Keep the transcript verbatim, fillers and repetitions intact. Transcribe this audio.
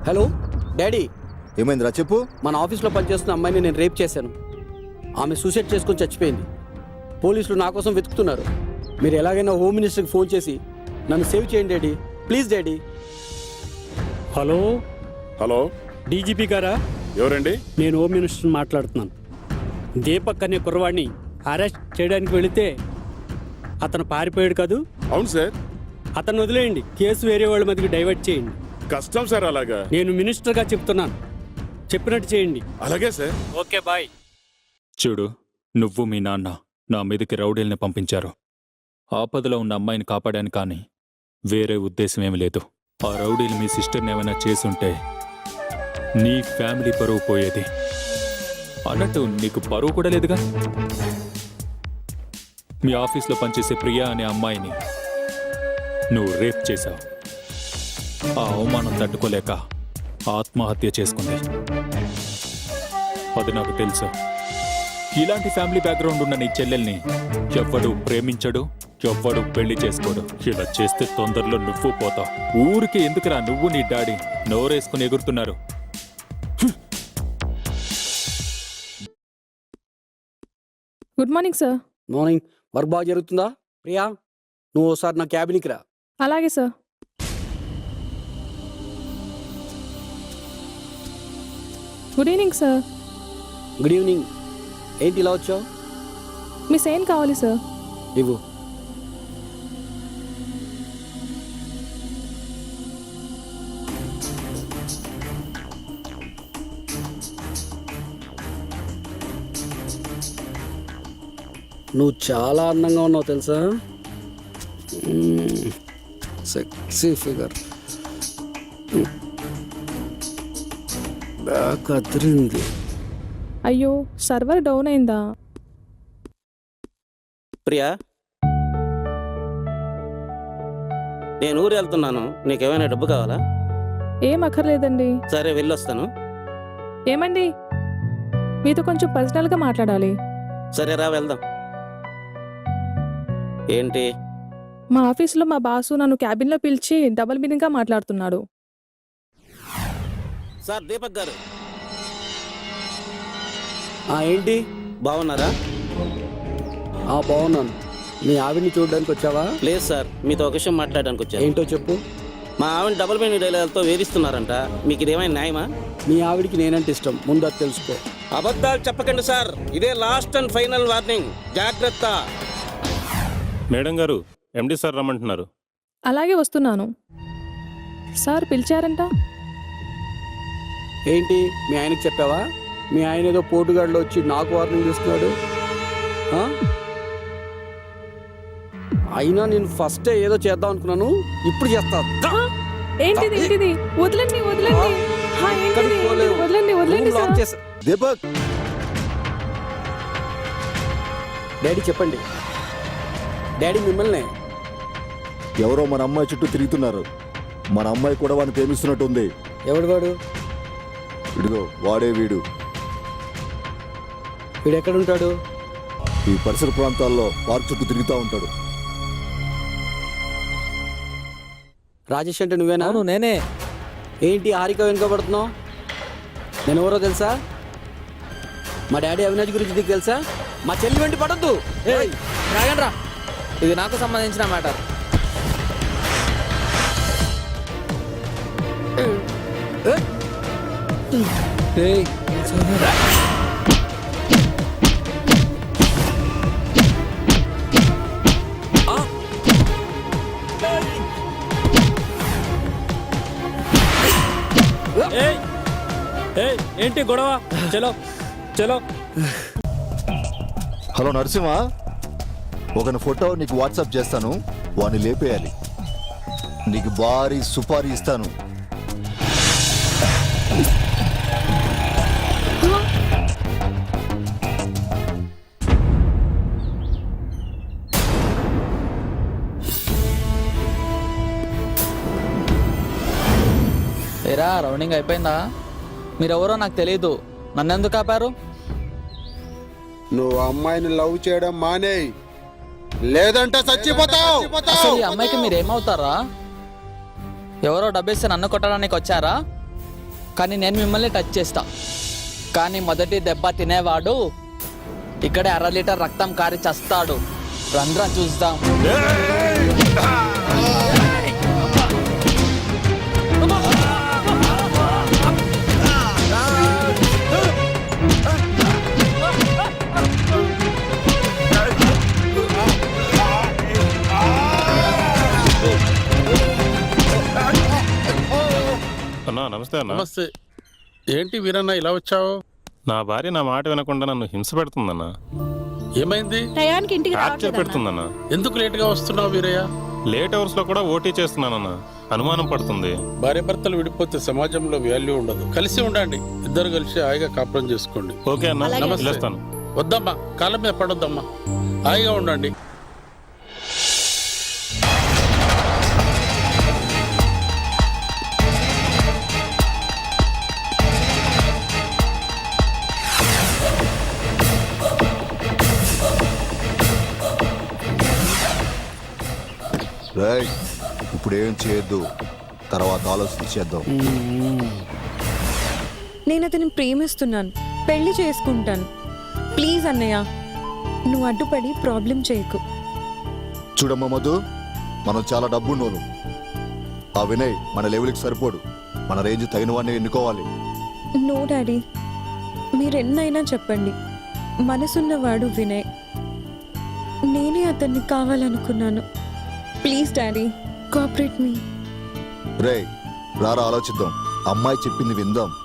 Hello daddy, ఏమైందిరా చెప్పు. మన ఆఫీస్లో పనిచేస్తున్న అమ్మాయిని నేను రేప్ చేశాను. ఆమె సూసైడ్ చేసుకొని చచ్చిపోయింది. పోలీసులు నా కోసం వెతుకుతున్నారు. మీరు ఎలాగైనా హోమ్ మినిస్టర్కి ఫోన్ చేసి నన్ను సేవ్ చేయండి daddy, please daddy. Hello hello, DGP గారా? ఎవరండి? నేను హోమ్ మినిస్టర్ మాట్లాడుతున్నాను. దీపక్ అనే కుర్రవాడిని అరెస్ట్ చేయడానికి వెళితే అతను పారిపోయాడు కాదు? అవును సార్. అతను వదిలేయండి, కేసు వేరే వాళ్ళ మీదకి డైవర్ట్ చేయండి. కష్టం సార్. అలాగా? నేను మినిస్టర్గా చెప్తున్నాను, చెప్పినట్టు చేయండి. అలాగే సార్. Okay bye. చూడు, నువ్వు మీ నాన్న నా మీదకి రౌడీల్ని పంపించారు. ఆపదలో ఉన్న అమ్మాయిని కాపాడాను, కానీ వేరే ఉద్దేశం ఏమి లేదు. ఆ రౌడీలు మీ సిస్టర్ని ఏమైనా చేసుంటే నీ ఫ్యామిలీ పరువు పోయేది. అన్నట్టు నీకు పరువు కూడా లేదుగా. మీ ఆఫీస్లో పనిచేసే ప్రియా అనే అమ్మాయిని నువ్వు రేప్ చేశావు. ఆ అవమానం తట్టుకోలేక ఆత్మహత్య చేసుకుంది. అది నాకు తెలుసు. ఇలాంటి ఫ్యామిలీ బ్యాక్గ్రౌండ్ ఉన్న నీ చెల్లెల్ని ఎవ్వడు ప్రేమించడు, ఎవ్వడు పెళ్లి చేసుకోడు. ఇలా చేస్తే తొందరలో నువ్వు పోతావు. ఊరికి ఎందుకురా నువ్వు నీ డాడీ నోరేసుకుని ఎగురుతున్నారు? Good morning sir. Morning. Work బాగా జరుగుతుందా? ప్రియా, నువ్వు ఒకసారి నా క్యాబిన్కి రా. అలాగే sir. Good evening sir. Good evening. ఏంటి ఇలా వచ్చావు? మీ సైన్ కావాలి సార్. ఇవ్వు. నువ్వు చాలా అందంగా ఉన్నావు తెలుసా? Sexy figure. బ్యాక్ అదిరింది. అయ్యో, సర్వర్ డౌన్ అయిందా? ప్రియా, నేను ఊరు వెళ్తున్నాను. నీకేమైనా డబ్బు కావాలా? ఏం అక్కర్లేదండి. సరే, వెళ్ళొస్తాను. ఏమండి, మీతో కొంచెం పర్సనల్గా మాట్లాడాలి. సరే రా, వెళ్దాం. ఏంటి? మా ఆఫీస్లో మా బాసు నన్ను క్యాబిన్లో పిలిచి డబుల్ మీనింగ్గా మాట్లాడుతున్నాడు. సార్, దీపక్ గారు. ఏంటి? బాగున్నారా? బాగున్నాను. మీ ఆవిడ్ని చూడడానికి వచ్చావా? లేదు సార్, మీతో ఒక విషయం మాట్లాడడానికి వచ్చాను. ఏంటో చెప్పు. మా ఆవిడ డబుల్ మీనింగ్ డైలాగులతో వేధిస్తున్నారంట. మీకు ఇదేమైనా న్యాయమా? మీ ఆవిడికి నేనంటే ఇష్టం, ముందు అది తెలుసుకో. అబద్ధాలు చెప్పకండి సార్. ఇదే లాస్ట్ అండ్ ఫైనల్ వార్నింగ్. జాగ్రత్త. మేడం గారు, ఎండి సార్ రమ్మంటున్నారు. అలాగే వస్తున్నాను. సార్ పిలిచారంట. ఏంటి, మీ ఆయనకి చెప్పావా? మీ ఆయన ఏదో పోటుగాడిలో వచ్చి నాకు వార్నింగ్ చేస్తున్నాడు. అయినా నేను ఫస్టే ఏదో చేద్దాం అనుకున్నాను, ఇప్పుడు చేస్తా. ఏంటిది ఏంటిది? వదలండి వదలండి. హా, ఏంటిది? వదలండి వదలండి సార్. దీపక్, డాడీ చెప్పండి. డాడీ మిమ్మల్ని. ఎవరో మన అమ్మాయి చుట్టూ తిరుగుతున్నారు. మన అమ్మాయి కూడా వాడిని ప్రేమిస్తున్నట్టుంది. ఎవడు వాడు? ఇదిగో వాడే వీడు. వీడు ఎక్కడుంటాడు? ఈ పరిసర ప్రాంతాల్లో పార్క్ చుట్టూ తిరుగుతూ ఉంటాడు. రాజేష్ అంటే నువ్వేనా? అవును, నేనే. ఏంటి హారిక వెనుకబడుతున్నావు? నేను ఎవరో తెలుసా? మా డాడీ అవినాష్ గురించి నీకు తెలుసా? మా చెల్లి వెంట పడద్దు. రాగండ్రా, ఇది నాకు సంబంధించిన మ్యాటర్. ఏంటి గొడవ? చలో చలో. హలో నరసింహ, ఒకని ఫోటో నీకు వాట్సాప్ చేస్తాను, వాడిని లేపేయాలి. నీకు భారీ సుపారీ ఇస్తాను. ఏరా, రౌండింగ్ అయిపోయిందా? మీరెవరో నాకు తెలియదు, నన్నెందుకు ఆపారు? నువ్వు అమ్మాయిని లవ్ చేయడం మానే, లేదంటే చచ్చిపోతావు. అసలు ఈ అమ్మాయికి మీరేమవుతారా? ఎవరో డబ్బేస్తే నన్ను కొట్టడానికి వచ్చారా? కానీ నేను మిమ్మల్ని టచ్ చేస్తా. కానీ మొదటి దెబ్బ తినేవాడు ఇక్కడే అర లీటర్ రక్తం కారి చస్తాడు. రండ్రా చూద్దాం. అన్నా నమస్తే అన్న. నమస్తే. ఏంటి వీరన్న ఇలా వచ్చావు? నా భార్య నా మాట వినకుండా నన్ను హింస పెడుతుందన్న. ఏమైంది? టయానికి ఇంటికి టార్చర్ రావట్లేదన్నా. పెడుతుందన్న. ఎందుకు లేటుగా వస్తున్నావు వీరయ్య? లేట్ అవర్స్ లో కూడా ఓటీ చేస్తున్నానన్న. అనుమానం పడుతుంది. భార్య భర్తలు విడిపోతే సమాజంలో వాల్యూ ఉండదు. కలిసి ఉండండి. ఇద్దరు కలిసి హాయిగా కాపురం చేసుకోండి. ఓకే అన్న, అలాగే. వెళ్ళొస్తాను. వద్దమ్మా, కాళ్ళ మీద పడొద్దమ్మా. హాయిగా ఉండండి. రేయ్, ఇప్పుడు ఏం చేయొద్దు, తర్వాత ఆలోచించేద్దాం. నేను అతన్ని ప్రేమిస్తున్నాను, పెళ్లి చేసుకుంటాను. ప్లీజ్ అన్నయ్య, నువ్వు అడ్డుపడి ప్రాబ్లం చేయకు. చూడమ్మా మధు, మనం చాలా డబ్బున్నోను. ఆ వినయ్ మన లెవెల్కి సరిపోడు. మన రేంజ్ తగిన వాడిని ఎన్నుకోవాలి. నో డాడీ, మీరెన్నైనా చెప్పండి, మనసున్నవాడు వినయ్. నేనే అతన్ని కావాలనుకున్నాను. Please daddy, cooperate me. రేయ్ రారా, ఆలోచిద్దాం. అమ్మాయి చెప్పింది విందాం.